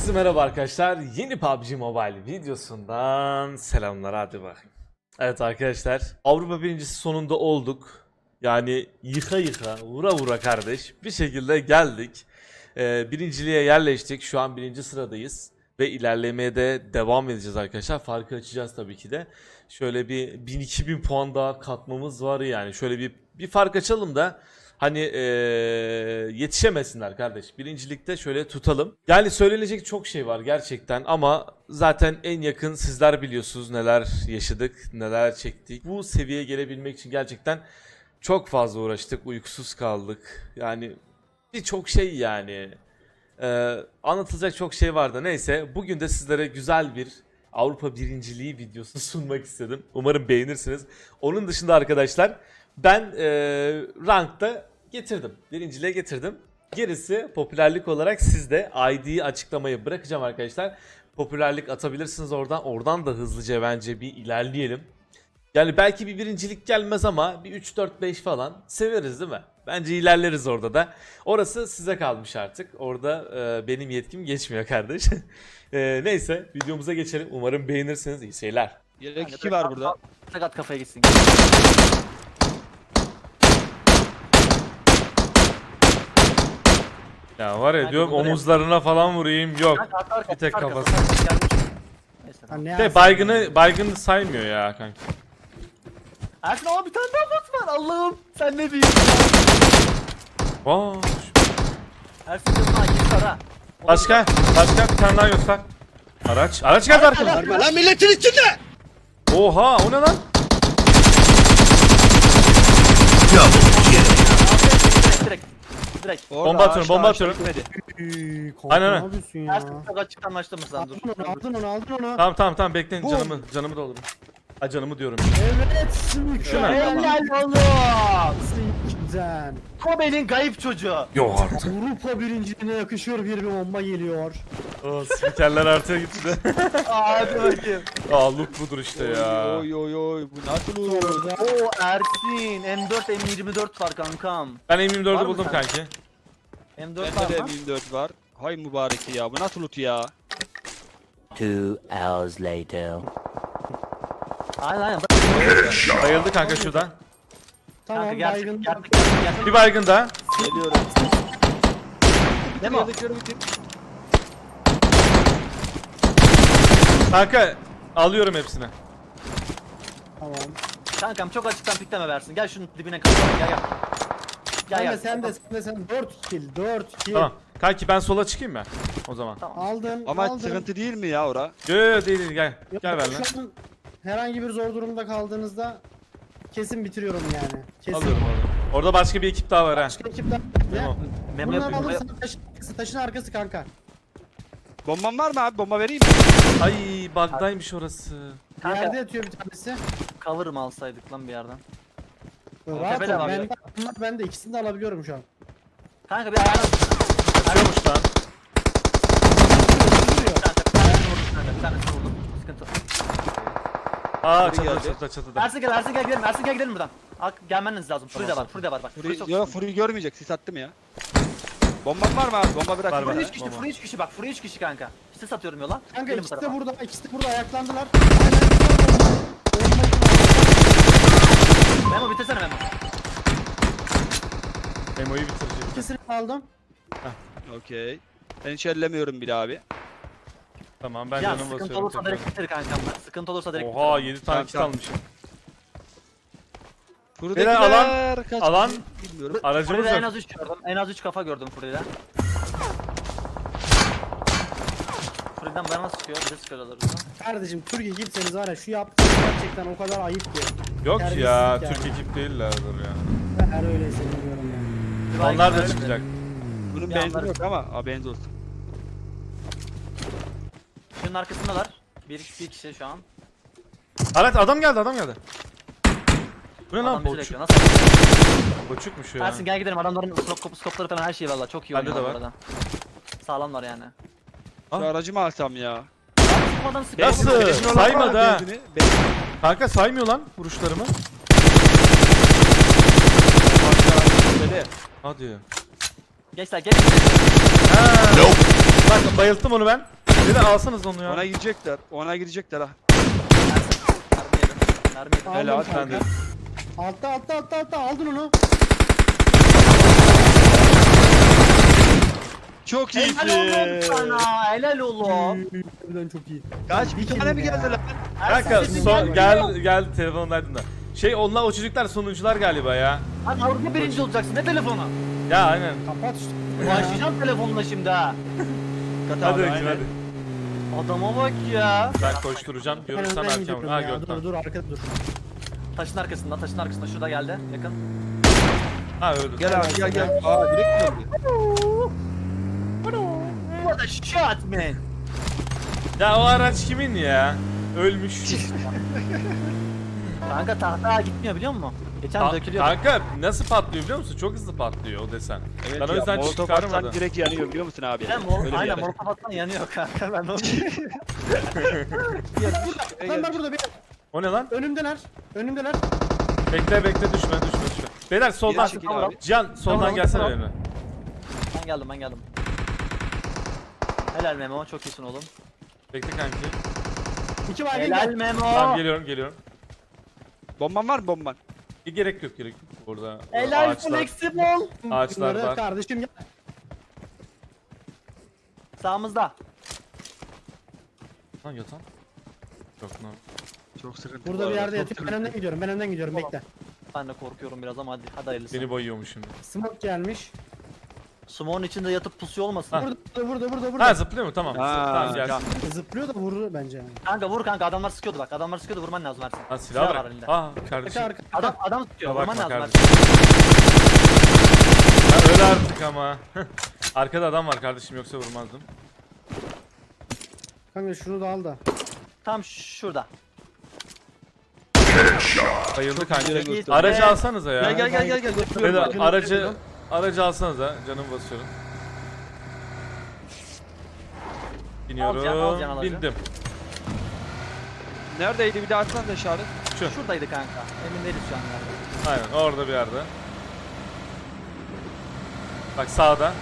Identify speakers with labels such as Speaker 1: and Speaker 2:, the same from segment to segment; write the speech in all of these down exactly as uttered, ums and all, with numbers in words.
Speaker 1: Herkese merhaba arkadaşlar. Yeni P U B G Mobile videosundan selamlar, hadi bakayım. Evet arkadaşlar, Avrupa birincisi sonunda olduk. Yani yıka yıka, vura vura kardeş bir şekilde geldik. Ee, birinciliğe yerleştik. Şu an birinci sıradayız. Ve ilerlemeye de devam edeceğiz arkadaşlar. Farkı açacağız tabii ki de. Şöyle bir bin iki bin puan daha katmamız var yani. Şöyle bir bir fark açalım da hani ee, yetişemesinler kardeş. Birincilikte şöyle tutalım. Yani söylenecek çok şey var gerçekten ama zaten en yakın sizler biliyorsunuz neler yaşadık, neler çektik. Bu seviyeye gelebilmek için gerçekten çok fazla uğraştık, uykusuz kaldık. Yani birçok şey yani. Ee, anlatılacak çok şey vardı. Neyse, bugün de sizlere güzel bir Avrupa birinciliği videosu sunmak istedim. Umarım beğenirsiniz. Onun dışında arkadaşlar ben e, rankta getirdim. Birinciliğe getirdim. Gerisi popülerlik olarak sizde I D'yi açıklamayı bırakacağım arkadaşlar. Popülerlik atabilirsiniz oradan. Oradan da hızlıca bence bir ilerleyelim. Yani belki bir birincilik gelmez ama bir üç dört beş falan severiz değil mi? Bence ilerleriz orada da. Orası size kalmış artık. Orada e, benim yetkim geçmiyor kardeş. e, neyse videomuza geçelim. Umarım beğenirsiniz. İyi seyirler.
Speaker 2: Yelek iki var burada.
Speaker 3: Sakat kafaya gitsin.
Speaker 1: Ya var ya
Speaker 3: Kanka
Speaker 1: diyorum
Speaker 3: bunları
Speaker 1: omuzlarına falan vurayım. Yok.
Speaker 3: Kanka, arka, arka,
Speaker 1: Bir tek
Speaker 3: arka,
Speaker 1: kafası.
Speaker 3: arka, gelmiş. Neyse,
Speaker 4: Ha,
Speaker 3: tamam.
Speaker 4: ne
Speaker 1: De
Speaker 4: Ersin
Speaker 1: baygını baygını saymıyor ya kanka.
Speaker 3: Ersin ama bir tane daha bot var. Allah'ım sen ne büyüksün.
Speaker 1: Aa,
Speaker 3: Ersin canına git ara.
Speaker 1: başka başka bir tane daha göster. Araç. Araç geldi arkadan.
Speaker 2: Verme lan milletin içinde!
Speaker 1: Oha, o ne lan?
Speaker 3: Direkt direkt. Direkt.
Speaker 1: Bomba atıyorum, bomba atıyorum.
Speaker 4: Üy, kanka,
Speaker 1: Aynen,
Speaker 4: ne
Speaker 1: aynen.
Speaker 4: yapıyorsun ya?
Speaker 3: Ersin çok açık anlaştığımız lan dur.
Speaker 4: Aldın onu, aldın onu, aldın onu.
Speaker 1: Tamam tamam tamam bekleyin,
Speaker 2: Bu-
Speaker 1: canımı canımı doldurun. Ha, canımı diyorum.
Speaker 4: Evet, mükemmel.
Speaker 3: Helal oğlum.
Speaker 4: Güzel.
Speaker 3: Kobe'nin kayıp çocuğu.
Speaker 1: Yok artık.
Speaker 4: Avrupa birinciliğine yakışıyor bir bir bomba geliyor.
Speaker 1: O spikerler artıyor gitti de.
Speaker 3: Hadi bakayım.
Speaker 1: Aa, look budur işte ya.
Speaker 2: Oy oy oy bu nasıl olur?
Speaker 4: Orada
Speaker 3: Oo Ersin M dört M yirmi dört var kankam.
Speaker 1: Ben M yirmi
Speaker 3: Var
Speaker 1: dördü
Speaker 3: mı
Speaker 1: buldum
Speaker 3: sende?
Speaker 1: kanki.
Speaker 3: M dört
Speaker 2: Bende de
Speaker 3: var mı?
Speaker 2: M yirmi dört var. Hay mübarek ya bu nasıl loot ya?
Speaker 5: Two hours later.
Speaker 3: Aynen aynen.
Speaker 1: Bayıldı kanka şuradan.
Speaker 4: tamam
Speaker 3: Kanka gerçek
Speaker 4: baygın.
Speaker 3: gerçek gerçek gerçek.
Speaker 1: Bir baygın daha.
Speaker 2: Geliyorum.
Speaker 3: Ne mi o?
Speaker 2: Yelekleri bitir.
Speaker 1: Kanka alıyorum hepsini.
Speaker 4: Tamam.
Speaker 3: Kankam çok açıktan pikleme versin. Gel şunun dibine kapatalım. Gel gel. Gel
Speaker 4: Sen
Speaker 3: gel.
Speaker 4: de sen de sen de sen dört kill, dört kill.
Speaker 1: Tamam. Kanki ben sola çıkayım mı? O zaman.
Speaker 3: Tamam.
Speaker 4: Aldın,
Speaker 2: Ama
Speaker 4: aldın.
Speaker 2: sıkıntı değil mi ya ora?
Speaker 1: Yo yo yo, değil değil, gel.
Speaker 4: Yok,
Speaker 1: Gel benimle.
Speaker 4: şu an herhangi bir zor durumda kaldığınızda kesin bitiriyorum yani. Kesin.
Speaker 1: Alıyorum orada. Orada başka bir ekip daha var ha.
Speaker 4: Başka ekipten
Speaker 1: Tamam.
Speaker 3: Memo
Speaker 4: Bunları
Speaker 3: yapayım.
Speaker 4: alırsan taşın arkası, taşın arkası kanka.
Speaker 2: Bomban var mı abi? Bomba vereyim mi?
Speaker 1: Ay, bug'daymış orası.
Speaker 4: Yerde
Speaker 3: Kanka
Speaker 4: yatıyor bir tanesi.
Speaker 3: cover mı alsaydık lan bir yerden?
Speaker 4: Rahat
Speaker 3: tepede
Speaker 4: ol,
Speaker 3: var
Speaker 4: ben
Speaker 3: ya.
Speaker 4: de, bunlar ben de ikisini de alabiliyorum şu an.
Speaker 3: Kanka bir ayağına...
Speaker 1: Açıyormuş lan.
Speaker 3: Kanka bir tanesini vurdum kanka. Bir tanesini vurdum. Sıkıntı.
Speaker 1: Aa,
Speaker 2: Biri
Speaker 1: çatıda
Speaker 2: geldi.
Speaker 1: çatıda çatıda.
Speaker 3: Ersin gel Ersin gel gidelim. Ersin gel gidelim buradan. Ak gelmeniz lazım. Free de var. Free de var bak. Free
Speaker 2: Furi,
Speaker 3: çok
Speaker 2: yo
Speaker 3: sıkıntı.
Speaker 2: Furi görmeyecek sis attım ya. Bomban var mı abi? Bomba bırak.
Speaker 1: Var, var.
Speaker 3: Free üç kişi,
Speaker 1: Baba.
Speaker 3: free üç kişi bak. Free üç kişi kanka. İşte satıyorum yola.
Speaker 4: Kanka
Speaker 3: Gelin bu
Speaker 4: ikisi de
Speaker 3: tarafa.
Speaker 4: burada, ikisi de burada ayaklandılar. Aynen, bomba- bomba-
Speaker 3: Memo bitirsene Memo.
Speaker 1: Memo'yu bitirecek.
Speaker 4: İkisini aldım.
Speaker 2: Okey. Ben hiç ellemiyorum bile abi.
Speaker 1: Tamam, ben
Speaker 3: Ya
Speaker 1: canım
Speaker 3: sıkıntı
Speaker 1: basıyorum
Speaker 3: olursa
Speaker 1: tekrar.
Speaker 3: direkt bitir kankam ben. Sıkıntı olursa direkt
Speaker 1: Oha,
Speaker 3: bitir.
Speaker 1: yedi tane
Speaker 2: Tamam,
Speaker 1: kit
Speaker 2: tamam.
Speaker 1: almışım.
Speaker 2: Furi'dekiler
Speaker 1: alan-
Speaker 2: kaç
Speaker 1: alan-
Speaker 2: kişi bilmiyorum.
Speaker 1: Aracımız
Speaker 3: Free'de en
Speaker 1: yok.
Speaker 3: az üç gördüm. En az üç kafa gördüm Free'de. Free'den bana sıkıyor. Bize sıkıyorlar orada.
Speaker 4: Kardeşim Türk ekipseniz var ya şu yaptığınız gerçekten o kadar ayıp ki.
Speaker 1: Yok ya,
Speaker 4: Terbiyesizlik
Speaker 1: Türk
Speaker 4: yani.
Speaker 1: ekip değillerdir ya.
Speaker 4: Ben her öyleyse bilmiyorum yani.
Speaker 1: Onlar da çıkacak.
Speaker 2: Bunun
Speaker 3: Bir
Speaker 2: benzin
Speaker 3: anlarız.
Speaker 2: yok ama haberiniz olsun.
Speaker 3: Şunun arkasındalar. Bir, bir kişi şu an.
Speaker 1: Araç, adam geldi adam geldi. Bu ne lan,
Speaker 3: Adam bizi
Speaker 1: boçuk.
Speaker 3: bekliyor. Nasıl?
Speaker 1: Boçukmuş ya.
Speaker 3: Ersin gel gidelim. Adamların skop, skopları falan her şey valla. Çok iyi
Speaker 1: Bende de
Speaker 3: oynuyorlar
Speaker 1: var.
Speaker 3: bu arada. Sağlamlar yani.
Speaker 1: Ah.
Speaker 2: Şu aracımı alsam ya.
Speaker 3: Çıkmadan sıkıyor.
Speaker 1: Nasıl?
Speaker 2: Benzin olan var mı?
Speaker 1: Saymadı ha.
Speaker 2: Benzini- benzin-
Speaker 1: Kanka saymıyor lan vuruşlarımı.
Speaker 2: Böyle.
Speaker 1: Hadi.
Speaker 3: Gençler geç.
Speaker 1: Ha. Bak bayılttım onu ben. Bir de alsanız onu ya.
Speaker 2: Ona girecekler. Ona girecekler ha.
Speaker 3: Mermi yedim. Mermi yedim.
Speaker 4: Aldım
Speaker 2: Helal,
Speaker 4: kanka.
Speaker 1: ben de.
Speaker 4: Altta altta altta altta aldın onu.
Speaker 2: Çok
Speaker 3: Helal oğlum
Speaker 2: iyisin.
Speaker 3: sana. Helal oğlum.
Speaker 4: Birden çok iyi.
Speaker 2: Kaç? Bir tane mi geldi lan?
Speaker 1: Kanka
Speaker 3: Sesim
Speaker 1: son
Speaker 3: gelmiyor.
Speaker 1: gel gel telefondaydım da. Şey onlar o çocuklar sonuncular galiba ya.
Speaker 3: Lan Avrupa birinci olacaksın. Ne telefonu?
Speaker 1: Ya aynen.
Speaker 4: Kapat işte.
Speaker 3: Başlayacağım telefonla şimdi ha.
Speaker 2: Kat
Speaker 1: Hadi
Speaker 2: abi,
Speaker 1: bakayım
Speaker 2: aynen.
Speaker 1: hadi.
Speaker 3: Adama bak ya.
Speaker 1: Ben koşturacağım.
Speaker 4: Ben
Speaker 1: Görürsen
Speaker 4: önden
Speaker 1: erken
Speaker 4: gidiyorum
Speaker 1: vur. Ha
Speaker 4: ya.
Speaker 1: gördüm.
Speaker 4: Dur dur arkada dur.
Speaker 3: Taşın arkasında, taşın arkasında. Şurada geldi. Yakın.
Speaker 1: Ha öldü.
Speaker 2: Gel abi gel gel. Aa direkt mi öldü?
Speaker 3: What a shot man.
Speaker 1: Ya o araç kimin ya? Ölmüş.
Speaker 3: Kanka tahta gitmiyor biliyor musun? Geçen
Speaker 1: Ta-
Speaker 3: dökülüyor.
Speaker 1: kanka nasıl patlıyor biliyor musun? Çok hızlı patlıyor o desen.
Speaker 2: Evet
Speaker 1: Ben o
Speaker 2: ya,
Speaker 1: yüzden
Speaker 2: molotof
Speaker 1: çıkarmadım.
Speaker 2: atsan direkt yanıyor biliyor musun abi?
Speaker 3: Aynen, mor
Speaker 2: Öyle bir
Speaker 3: aynen
Speaker 2: yer.
Speaker 3: mor kapatsan yanıyor kanka ben onu.
Speaker 4: Adamlar burada bir.
Speaker 1: O ne lan?
Speaker 4: Önümdeler. Önümdeler.
Speaker 1: Bekle bekle düşme düşme düşme. Beyler soldan.
Speaker 2: Geri çekil abi.
Speaker 1: Can soldan
Speaker 3: Tamam,
Speaker 1: gelsene
Speaker 3: tamam.
Speaker 1: benimle.
Speaker 3: Ben geldim ben geldim. Helal Memo çok iyisin oğlum.
Speaker 1: Bekle kanki.
Speaker 4: İki baygın
Speaker 3: Helal
Speaker 4: gel.
Speaker 3: Memo.
Speaker 1: Tamam geliyorum geliyorum.
Speaker 2: Bomban var mı bomban?
Speaker 1: E, gerek yok gerek yok. Burada
Speaker 3: Helal
Speaker 1: ağaçlar,
Speaker 3: flexible.
Speaker 1: ağaçlar
Speaker 4: Bunları
Speaker 1: var.
Speaker 4: kardeşim gel.
Speaker 3: Sağımızda.
Speaker 1: Lan yatan. Yok lan.
Speaker 2: Çok sıkıntı.
Speaker 4: Burada
Speaker 2: bu
Speaker 4: bir
Speaker 2: arada,
Speaker 4: yerde
Speaker 2: çok
Speaker 4: yatıyor. Ben
Speaker 2: sıkıntı.
Speaker 4: önden gidiyorum. Ben önden gidiyorum.
Speaker 3: Tamam.
Speaker 4: Bekle.
Speaker 3: Ben de korkuyorum biraz ama hadi hadi hayırlısı.
Speaker 1: Beni boyuyormuş şimdi.
Speaker 4: Smoke gelmiş.
Speaker 3: Smoke'un içinde yatıp pusuyor olmasın.
Speaker 1: Ha.
Speaker 4: Burada burada burada burada.
Speaker 1: Ha zıplıyor mu? Tamam.
Speaker 2: Ha,
Speaker 1: tamam gelsin.
Speaker 2: can.
Speaker 4: Zıplıyor da vurur bence yani.
Speaker 3: Kanka vur kanka adamlar sıkıyordu bak. Adamlar sıkıyordu vurman lazım Ersin.
Speaker 1: Ha silah
Speaker 3: var
Speaker 1: bırak.
Speaker 3: elinde.
Speaker 1: Ah
Speaker 4: Arka
Speaker 1: kardeşim.
Speaker 4: arka.
Speaker 3: Adam adam sıkıyor
Speaker 1: Ya
Speaker 3: vurman
Speaker 1: bakma
Speaker 3: lazım
Speaker 1: kardeşim.
Speaker 3: Ersin.
Speaker 1: Ya öyle artık ama. Arkada adam var kardeşim yoksa vurmazdım.
Speaker 4: Kanka şunu da al da.
Speaker 3: Tam şurada.
Speaker 1: Bayıldı
Speaker 2: Çok
Speaker 1: kanki.
Speaker 2: güzel gösterdi.
Speaker 1: Aracı alsanıza ya.
Speaker 2: Gel gel gel gel gel. götürüyorum
Speaker 1: Beyler,
Speaker 2: bak.
Speaker 1: aracı aracı alsanıza. Canım basıyorum.
Speaker 3: Al can, al can
Speaker 1: Biniyorum.
Speaker 3: aracı.
Speaker 1: Bindim.
Speaker 2: Neredeydi bir daha atsan da işaret.
Speaker 1: Şu.
Speaker 3: Şuradaydı kanka. Emin değiliz şu an nerede.
Speaker 1: Aynen orada bir yerde. Bak sağda.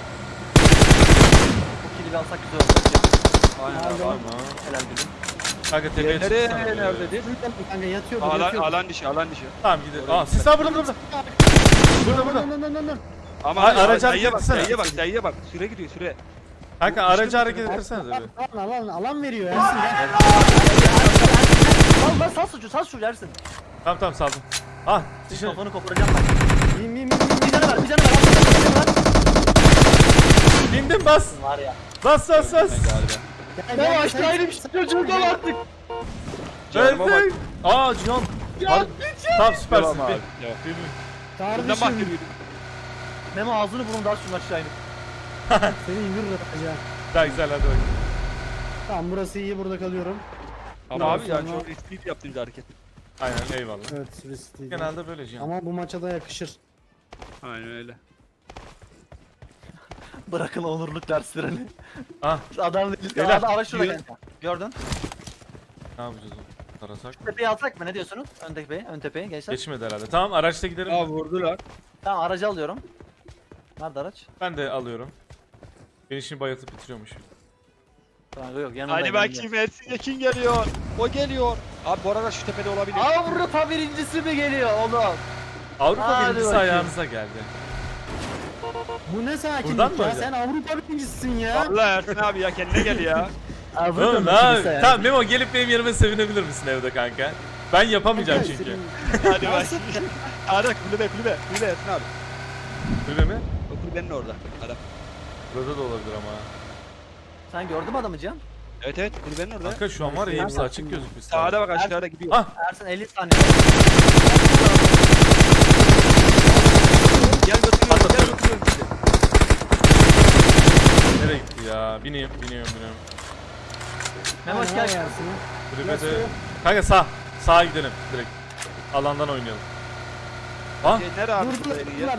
Speaker 3: Bu kili alsak güzel olur.
Speaker 2: Aynen abi.
Speaker 1: Tamam.
Speaker 3: Helal gülüm.
Speaker 1: Kanka tepeye
Speaker 2: Diğerleri
Speaker 1: çıksana. böyle.
Speaker 2: nerededir?
Speaker 4: Kanka yatıyordu
Speaker 2: Alan,
Speaker 4: yatıyordu.
Speaker 2: alan dışı alan dışı.
Speaker 1: Tamam gidelim. Aa siz burada burada. Burada burada.
Speaker 4: Dön dön dön dön.
Speaker 2: Ama
Speaker 1: Ay,
Speaker 2: aracı
Speaker 1: aracı
Speaker 2: sayıya
Speaker 1: hareket
Speaker 2: bak
Speaker 1: etsene.
Speaker 2: sayıya bak sayıya bak. Süre gidiyor süre.
Speaker 1: Kanka aracı hareket ettirsenize bir.
Speaker 4: Alan alan alan veriyor Ersin gel.
Speaker 3: Sal lan sal suçu sal suçu Ersin.
Speaker 1: Tamam tamam saldım. Ah dışarı.
Speaker 3: Kafanı koparacağım bak.
Speaker 4: Bin bin bin bin.
Speaker 3: Bir canı var bir canı var. Bir canı var.
Speaker 1: Bindim bas.
Speaker 3: Var ya.
Speaker 1: Bas bas bas.
Speaker 4: Gel,
Speaker 3: Ne
Speaker 4: gel,
Speaker 3: aşağı
Speaker 4: sen-
Speaker 3: inmiş çocuğundan artık.
Speaker 2: Canıma bak.
Speaker 1: Evet. Aa Cihan. Har- Tamam süpersin.
Speaker 2: Devam abi.
Speaker 1: Bin.
Speaker 2: Devam.
Speaker 1: Bin, bin.
Speaker 2: Bundan bak
Speaker 4: Kardeşim
Speaker 2: yürüyün.
Speaker 3: Memo ağzını burnunu daha şunu aşağı inip.
Speaker 4: seni indir acaba.
Speaker 1: Daha güzel hadi bakayım.
Speaker 4: Tamam burası iyi burada kalıyorum.
Speaker 2: Ama
Speaker 4: Daha
Speaker 2: abi yani
Speaker 4: sonra-
Speaker 2: çok riskli yaptığınız hareket.
Speaker 1: Aynen eyvallah.
Speaker 4: Evet riskliydi.
Speaker 1: Genelde böyle Cihan.
Speaker 4: Ama bu maça da yakışır.
Speaker 2: Aynen öyle.
Speaker 3: Bırakın onurluk derslerini.
Speaker 1: Ah
Speaker 3: Adam değil.
Speaker 1: Beyler,
Speaker 3: Adam araç şurada
Speaker 2: yürü.
Speaker 3: kanka. Gördün.
Speaker 1: ne yapacağız oğlum? Tarasak mı?
Speaker 3: Tepeyi alsak mı ne diyorsunuz? Ön tepeyi, ön tepeyi gençler.
Speaker 1: Geçmedi herhalde. Tamam araçta giderim.
Speaker 2: Aa vurdular.
Speaker 3: Tamam aracı alıyorum. Nerede araç?
Speaker 1: Ben de alıyorum. Beni şimdi bayıltıp bitiriyormuş.
Speaker 3: Kanka yok yanındayım.
Speaker 2: Hadi bakayım Ersin Yekin geliyor. O geliyor. Abi bu arada şu tepede olabilir.
Speaker 3: Avrupa birincisi mi geliyor oğlum?
Speaker 1: Avrupa
Speaker 3: Hadi
Speaker 1: birincisi
Speaker 3: bakayım.
Speaker 1: ayağınıza geldi.
Speaker 4: Bu ne sakinlik
Speaker 1: Buradan mı
Speaker 4: ya?
Speaker 1: hocam?
Speaker 4: Sen Avrupa birincisisin ya.
Speaker 2: Allah Ersin abi ya kendine gel ya.
Speaker 3: Avrupa
Speaker 1: Oğlum ne
Speaker 3: birincisi
Speaker 1: abi?
Speaker 3: yani.
Speaker 1: Tamam Memo gelip benim yerime sevinebilir misin evde kanka? Ben yapamayacağım
Speaker 4: Kanka,
Speaker 1: çünkü.
Speaker 4: senin-
Speaker 2: Hadi bak. Hadi kulübe kulübe. Kulübe Ersin abi.
Speaker 1: Kulübe mi?
Speaker 2: O kulübenin orada. Adam.
Speaker 1: Burada da olabilir ama.
Speaker 3: Sen gördün mü adamı Cihan?
Speaker 2: Evet evet kulübenin orada.
Speaker 1: Kanka şu an var ya hepsi açık gözükmüş.
Speaker 2: Sağda bak aşağıda gidiyor.
Speaker 1: Ah
Speaker 3: Ersin elli saniye.
Speaker 2: Gel götürüyorum gel götürüyorum sizi.
Speaker 1: nereye gitti ya? Bineyim, biniyorum, biniyorum.
Speaker 3: Memo hoş
Speaker 4: Aynen,
Speaker 3: geldin.
Speaker 4: Ersin.
Speaker 1: Kulübede... Kanka sağ. Sağa gidelim direkt. Alandan oynayalım. Ah
Speaker 2: Şey, Nere abi?
Speaker 4: Durdular,
Speaker 2: kulübenin
Speaker 4: durdular.
Speaker 2: ya?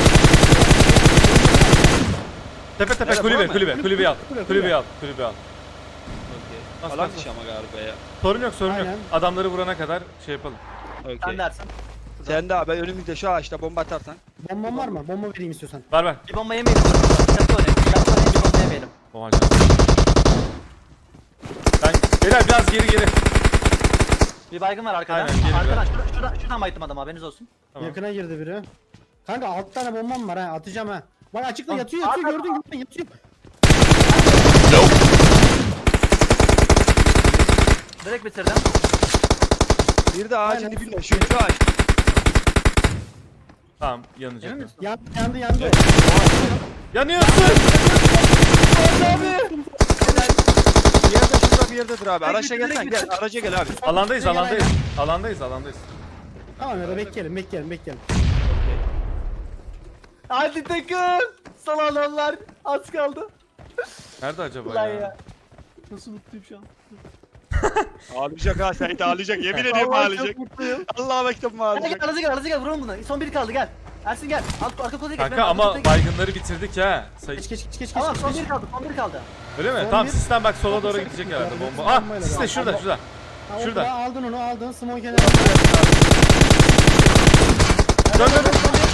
Speaker 1: tepe tepe
Speaker 2: Nerede,
Speaker 1: kulübe
Speaker 2: bura mı?
Speaker 1: kulübe kulübeyi al.
Speaker 4: Kulübe, kulübe.
Speaker 1: Kulübeyi al. Kulübeyi al.
Speaker 2: Okey.
Speaker 1: Bas,
Speaker 2: Alan
Speaker 1: bas,
Speaker 2: dışı ama galiba ya.
Speaker 1: Sorun yok sorun yok.
Speaker 4: Aynen.
Speaker 1: Adamları vurana kadar şey yapalım.
Speaker 3: Sen
Speaker 2: Okey.
Speaker 3: dersin. Dur burada.
Speaker 2: Sen de abi önümüzde şu ağaçta bomba atarsan.
Speaker 4: Bomban var mı? Bomba vereyim istiyorsan.
Speaker 1: Ver ver.
Speaker 3: Bir bomba yemeyelim. Dikkatli oynayın. Dikkatli oynayın, bir bomba yemeyelim.
Speaker 1: Oha canım. Ben beyler biraz geri geri.
Speaker 3: Bir baygın var arkada.
Speaker 1: Aynen, geri
Speaker 3: Arkadan
Speaker 1: biraz.
Speaker 3: şuradan, şuradan, şuradan baydım adam haberiniz olsun.
Speaker 1: Tamam.
Speaker 4: Yakına girdi biri. Kanka alt tane bombam var ha atacağım ha. Bak açıkta
Speaker 3: Ah,
Speaker 4: yatıyor yatıyor
Speaker 3: ah,
Speaker 4: gördün gördün yatıyor.
Speaker 3: Direkt bitirdim.
Speaker 2: Bir de ağacın
Speaker 4: Aynen.
Speaker 2: dibinde şu şu ağaç.
Speaker 1: Tamam yanacak.
Speaker 3: Emin misin?
Speaker 4: Yan, yandı yandı.
Speaker 1: Yanıyorsun.
Speaker 2: Bir yerde şurada bir yerdedir abi. Araçla
Speaker 3: Direkt
Speaker 2: gelsen
Speaker 3: bitir,
Speaker 2: gel. Araca gel abi.
Speaker 1: Alandayız
Speaker 4: Gel, gel,
Speaker 1: alandayız. Alandayız alandayız.
Speaker 4: Tamam ya da bekleyelim bekleyelim bekleyelim.
Speaker 3: Hadi takım. Son adamlar. Az kaldı.
Speaker 1: Nerede acaba
Speaker 3: Lan
Speaker 1: ya?
Speaker 3: ya. Nasıl mutluyum şu an.
Speaker 2: Ağlayacak ha Sait ağlayacak. Yemin ediyorum
Speaker 3: Vallahi
Speaker 2: ağlayacak.
Speaker 3: çok mutluyum.
Speaker 2: Allah'a mektubum
Speaker 3: Gel gel
Speaker 2: ağlayacak.
Speaker 3: arası gel arası gel vuralım bunu. Son biri kaldı gel. Ersin gel. Alt, arka kolaya geç.
Speaker 1: Kanka
Speaker 3: ben arka
Speaker 1: ama
Speaker 3: kolaya geç.
Speaker 1: baygınları bitirdik ha. Sayı.
Speaker 4: Geç geç geç geç geç.
Speaker 3: Tamam son
Speaker 4: geç.
Speaker 3: biri kaldı son biri kaldı.
Speaker 1: Öyle mi?
Speaker 4: Son
Speaker 1: Tamam
Speaker 4: bir-
Speaker 1: sistem bak sola
Speaker 4: Son
Speaker 1: doğru
Speaker 4: bir-
Speaker 1: gidecek
Speaker 4: son
Speaker 1: herhalde
Speaker 4: bir-
Speaker 1: bomba.
Speaker 4: son
Speaker 1: Ah
Speaker 4: bombayla
Speaker 1: siste
Speaker 4: devam.
Speaker 1: şurada
Speaker 4: Ama-
Speaker 1: şurada.
Speaker 4: Ha,
Speaker 1: Şurada.
Speaker 4: Şurada. Aldın onu aldın smoke kenarına.
Speaker 1: Dön dön dön.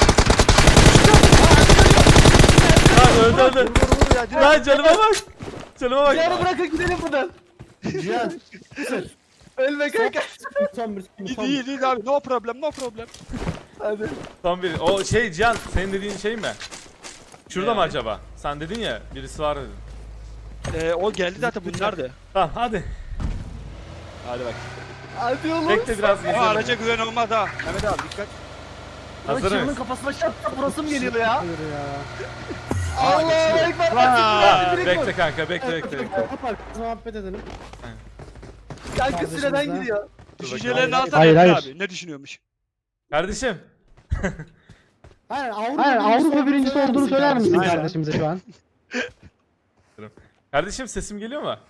Speaker 1: Lan öldü öldü.
Speaker 2: Vur vur ya. direkt.
Speaker 1: Lan canıma bak. Canıma bak.
Speaker 3: Yarı bırakın gidelim buradan.
Speaker 4: Cihan.
Speaker 3: Ölme kanka.
Speaker 4: Son bir
Speaker 2: İyi
Speaker 4: son
Speaker 2: iyi
Speaker 4: bir.
Speaker 2: iyi abi. No problem no problem.
Speaker 3: Hadi.
Speaker 1: Son bir. O şey Cihan senin dediğin şey mi? Şurada
Speaker 2: Ne
Speaker 1: mı
Speaker 2: abi?
Speaker 1: acaba? Sen dedin ya birisi var dedin.
Speaker 2: Ee, o geldi zaten bunlardı.
Speaker 1: Tamam hadi.
Speaker 2: Hadi bak.
Speaker 3: Hadi oğlum.
Speaker 1: Bekle biraz
Speaker 2: O
Speaker 1: gezelim.
Speaker 2: araca güven olmaz ha. Mehmet abi dikkat.
Speaker 1: Hazır
Speaker 3: Çığırın
Speaker 1: mıyız?
Speaker 3: kafasına çarptı burası mı geliyor ya?
Speaker 4: Hayır ya.
Speaker 3: Allahu ekber.
Speaker 1: Ha,
Speaker 3: Direkt
Speaker 1: bekle
Speaker 3: vur.
Speaker 1: kanka bekle bekle bekle.
Speaker 4: Kapat muhabbet edelim.
Speaker 3: Kanka
Speaker 4: Kardeşimiz
Speaker 3: süreden
Speaker 4: de-
Speaker 3: gidiyor.
Speaker 2: Düşüncelerini
Speaker 4: Hayır,
Speaker 2: alsana
Speaker 4: hayır,
Speaker 2: Mehmet
Speaker 4: hayır.
Speaker 2: abi. Ne düşünüyormuş?
Speaker 1: Kardeşim.
Speaker 4: Hayır Avrupa,
Speaker 6: Hayır Avrupa birincisi olduğunu söyler misin
Speaker 4: Aynen.
Speaker 6: kardeşimize şu an?
Speaker 1: Kardeşim sesim geliyor mu?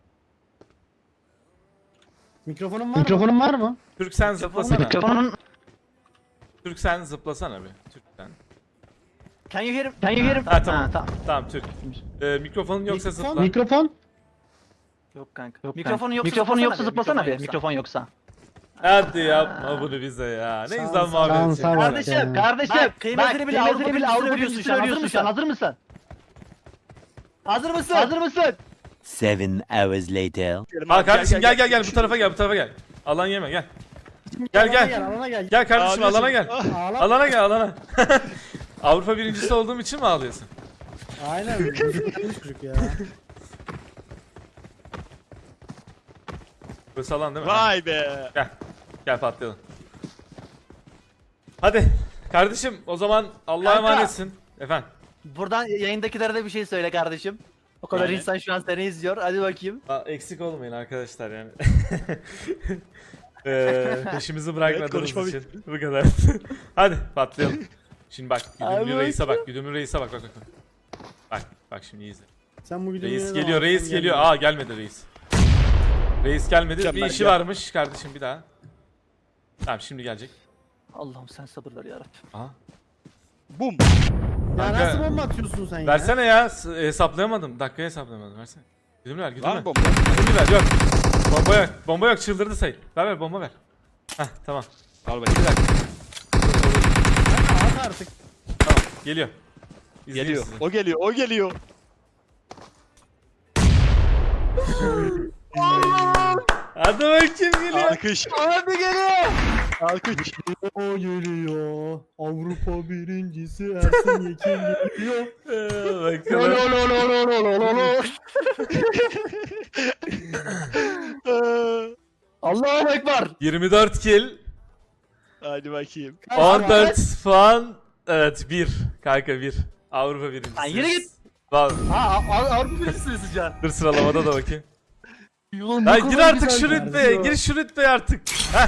Speaker 4: Mikrofonun var mı?
Speaker 6: Mikrofonun var mı?
Speaker 1: Türk sen zıplasana.
Speaker 6: Mikrofonun...
Speaker 1: Türk sen zıplasana bir. Türk sen.
Speaker 3: Can you hear him?
Speaker 6: Can you hear him?
Speaker 1: Ha tamam.
Speaker 6: tamam.
Speaker 1: Tamam Türk. Ee, mikrofonun yoksa
Speaker 4: Mikrofon-
Speaker 1: zıpla.
Speaker 6: Mikrofon?
Speaker 3: Yok kanka.
Speaker 6: Yok
Speaker 3: Mikrofonu
Speaker 6: kanka.
Speaker 3: yoksa
Speaker 6: Mikrofonu yoksa
Speaker 3: zıplasana
Speaker 6: zıplasana
Speaker 3: bir,
Speaker 6: bir. Mikrofon yoksa.
Speaker 1: Hadi yapma bunu bize ya. Ne
Speaker 4: Sağ ol,
Speaker 1: güzel
Speaker 4: sağ ol.
Speaker 1: muhabbet.
Speaker 6: Şansa
Speaker 1: ya.
Speaker 6: bak
Speaker 3: Kardeşim,
Speaker 6: ya. Kardeşim.
Speaker 3: Bak, kıymetini bil, Avrupa
Speaker 6: bil
Speaker 3: birincisi
Speaker 6: Avrupa
Speaker 3: övüyorsun
Speaker 6: birincisi
Speaker 3: şu an, hazır
Speaker 6: övüyorsun şu an.
Speaker 3: mısın?
Speaker 6: Hazır mısın?
Speaker 3: Hazır mısın?
Speaker 6: Hazır mısın?
Speaker 5: Seven hours later.
Speaker 1: Ha kardeşim gel gel gel bu tarafa gel bu tarafa gel. Alan yeme gel. Gel,
Speaker 4: Alana
Speaker 1: gel.
Speaker 4: gel. Alana gel.
Speaker 1: Gel kardeşim
Speaker 2: Ağlıyorsun.
Speaker 1: alana gel.
Speaker 4: Ağla.
Speaker 1: Alana gel alana. Avrupa birincisi olduğum için mi ağlıyorsun?
Speaker 4: Aynen. Güzel çocuk ya.
Speaker 1: Burası alan değil mi?
Speaker 2: Vay be.
Speaker 1: Gel. Gel patlayalım. Hadi. Kardeşim o zaman Allah'a
Speaker 3: Kanka.
Speaker 1: emanetsin. Efendim.
Speaker 3: Buradan yayındakilere de bir şey söyle kardeşim. O kadar
Speaker 1: Yani.
Speaker 3: insan şu an seni izliyor. Hadi bakayım.
Speaker 1: Aa, eksik olmayın arkadaşlar yani. Eee peşimizi bırakmadığınız
Speaker 2: konuşma
Speaker 1: için bu kadar. Hadi patlayalım. Şimdi bak güdümlü
Speaker 3: Abi
Speaker 1: reise
Speaker 3: bak.
Speaker 1: bak güdümlü reise bak bak bak. Bak bak şimdi iyi izle.
Speaker 4: Sen bu videoyu
Speaker 1: Reis
Speaker 4: ne
Speaker 1: geliyor
Speaker 4: zaman
Speaker 1: reis
Speaker 4: atsan
Speaker 1: geliyor.
Speaker 4: gelmiyor.
Speaker 1: Aa gelmedi reis. Reis gelmedi. Bir
Speaker 2: Mükemmel,
Speaker 1: işi
Speaker 2: gel.
Speaker 1: varmış kardeşim bir daha. Tamam şimdi gelecek.
Speaker 3: Allah'ım sen sabır ver yarabbim.
Speaker 1: Aha.
Speaker 2: Bum.
Speaker 4: Ya
Speaker 1: Kanka,
Speaker 4: nasıl bomba atıyorsun sen ya?
Speaker 1: Versene ya. s- Hesaplayamadım. Dakikayı hesaplayamadım. Versene. Güdümlü ver güdümlü
Speaker 2: Var
Speaker 1: ver.
Speaker 2: mı bomba?
Speaker 1: Güdümlü ver yok. Bomba yok. Bomba yok çıldırdı say. Ver ver bomba ver. Heh tamam.
Speaker 2: Al bakayım.
Speaker 1: Bir dakika.
Speaker 4: At artık.
Speaker 1: Tamam geliyor. İzleyeyim
Speaker 2: Geliyor.
Speaker 1: sizi.
Speaker 2: O geliyor. O geliyor.
Speaker 1: Hadi bakayım geliyor.
Speaker 2: Alkış.
Speaker 3: Hadi geliyor.
Speaker 2: Alkış.
Speaker 4: O geliyor. Avrupa birincisi Ersin Yekin geliyor.
Speaker 1: Ee, bakalım.
Speaker 3: Allahu ekber.
Speaker 1: yirmi dört kill.
Speaker 2: Hadi bakayım.
Speaker 1: on dört puan. Evet bir. Kanka bir. Avrupa birincisi.
Speaker 3: Lan yürü git.
Speaker 1: Vallahi.
Speaker 3: Ha Av- Avrupa birincisiniz şu an.
Speaker 1: Dur sıralamada da bakayım.
Speaker 3: Ulan
Speaker 1: Ya
Speaker 3: ne
Speaker 1: gir
Speaker 3: kadar
Speaker 1: artık
Speaker 3: güzel
Speaker 1: şu
Speaker 3: geldi
Speaker 1: rütbeye.
Speaker 3: ya.
Speaker 1: Gir şu rütbeye artık. Heh.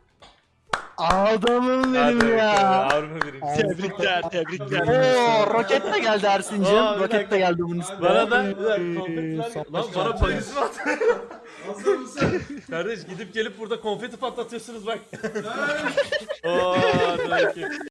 Speaker 3: Adamım
Speaker 1: Hadi
Speaker 3: benim ya.
Speaker 1: bakalım, Avrupa birincisi.
Speaker 2: Tebrikler. Tebrikler.
Speaker 3: Oo roket de geldi Ersin'cim.
Speaker 1: Aa, bir
Speaker 3: Roket
Speaker 1: dakika.
Speaker 3: de geldi bunun üstüne.
Speaker 1: Bana da bir dakika, konfeti ver.
Speaker 4: Sapla
Speaker 1: Lan bana
Speaker 4: şarkı.
Speaker 1: payız mı at? Hazır mısın? Kardeş gidip gelip burada konfeti patlatıyorsunuz bak. Oo, hadi bakayım.